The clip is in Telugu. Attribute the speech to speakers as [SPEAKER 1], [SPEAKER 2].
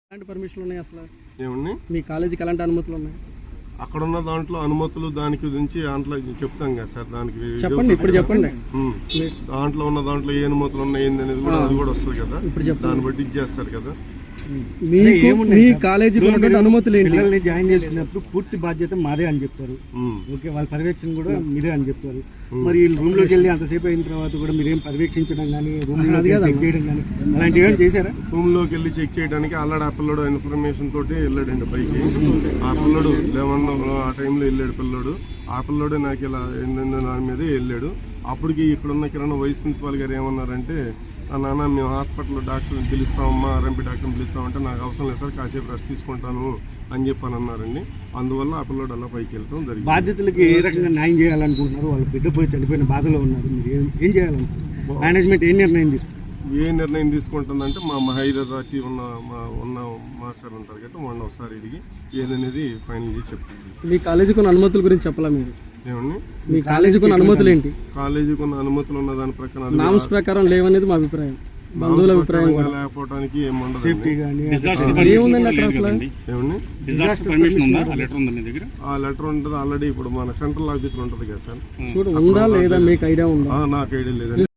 [SPEAKER 1] ఎలాంటి పర్మిషన్లు ఉన్నాయి అసలు?
[SPEAKER 2] ఏమండి
[SPEAKER 1] మీ కాలేజీకి ఎలాంటి అనుమతులు ఉన్నాయి?
[SPEAKER 2] అక్కడ ఉన్న దాంట్లో అనుమతులు దానికి గురించి దాంట్లో చెప్తాం కదా సార్. దానికి
[SPEAKER 1] చెప్పండి, ఇప్పుడు చెప్పండి.
[SPEAKER 2] దాంట్లో ఉన్న దాంట్లో ఏ అనుమతులు ఉన్నాయి ఏంది అనేది కూడా అది కూడా వస్తుంది కదా.
[SPEAKER 1] ఇప్పుడు చెప్పండి.
[SPEAKER 2] దాన్ని బట్టి ఇచ్చేస్తారు కదా.
[SPEAKER 1] మీ కాలేజీకి ఉన్నటువంటి అనుమతులు ఏంటి?
[SPEAKER 3] పిల్లల్ని జాయిన్ చేసుకున్నప్పుడు పూర్తి బాధ్యత మాదే అని చెప్తారు. ఓకే, వాళ్ళ పర్యవేక్షణ కూడా మీరే అని చెప్తారు. మరి రూమ్ లోకి వెళ్ళి అంతసేపు అయిన తర్వాత కూడా మీరేం పర్యవేక్షించడం కానీ రూమ్ లో చెక్ చేయడం కానీ అలాంటివి ఏమైనా చేశారా?
[SPEAKER 2] రూమ్ లోకి వెళ్ళి చెక్ చేయడానికి ఆల్రెడీ ఆ పిల్లడు ఇన్ఫర్మేషన్ తోటి వెళ్ళాడండి పైకి. ఆ పిల్లడు 11 ఆ టైంలో వెళ్ళాడు పిల్లడు. ఆ పిల్లడు నాకు ఇలా దాని మీదే వెళ్ళాడు. అప్పటికి ఇక్కడున్న కిరణ్ వైస్ ప్రిన్సిపాల్ గారు ఏమన్నారంటే, నాన్న మేము హాస్పిటల్లో డాక్టర్ని పిలుస్తామమ్మా, ఆర్ఎంపీ డాక్టర్ని పిలుస్తామంటే, నాకు అవసరం లేదు సార్, కాసేపు రెస్ట్ తీసుకుంటాను అని చెప్పని అన్నారండి. అందువల్ల ఆ పిల్లడు అలా పైకి వెళ్తాం జరిగింది.
[SPEAKER 3] బాధ్యతలకి ఏ రకంగా న్యాయం చేయాలనుకుంటున్నారు? వాళ్ళ బిడ్డ పోయి చనిపోయిన బాధలో ఉన్నారు, మీరు ఏం చేయాలనుకుంటున్నారు? మేనేజ్మెంట్ ఏ నిర్ణయం తీసుకుంటారు?
[SPEAKER 2] ఏ నిర్ణయం తీసుకుంటుందంటే మా హైదరాబాద్ ఉన్న మాస్టర్ ఉంటారు కదా, మొన్న ఒకసారి ఇడిగి ఏదనేది ఫైనల్ చేసి చెప్తుంది.
[SPEAKER 1] మీ కాలేజీకి ఉన్న అనుమతుల గురించి చెప్పాలా మీరు?
[SPEAKER 2] ఏమండి,
[SPEAKER 1] మీ కాలేజీకి ఉన్న అనుమతులు ఏంటి?
[SPEAKER 2] కాలేజీకి ఉన్న అనుమతులు ఉన్న దాని ప్రకారం
[SPEAKER 1] నామ్స్ ప్రకారం లేవనేది మా అభిప్రాయం, బంధువుల అభిప్రాయం కూడా.
[SPEAKER 2] లేకపోవడానికి ఏముండదు.
[SPEAKER 3] సేఫ్టీ కానీ
[SPEAKER 1] ఏముందండి అక్కడ అసలు?
[SPEAKER 2] ఏమండి, ఆ లెటర్ ఉంటుంది ఆల్రెడీ. ఇప్పుడు మన సెంట్రల్ ఆఫీసులో ఉంటుంది కదా సార్.
[SPEAKER 1] చూడు, ఉందా లేదా మీకు ఐడియా ఉందా?
[SPEAKER 2] నాకు ఐడియా లేదండి.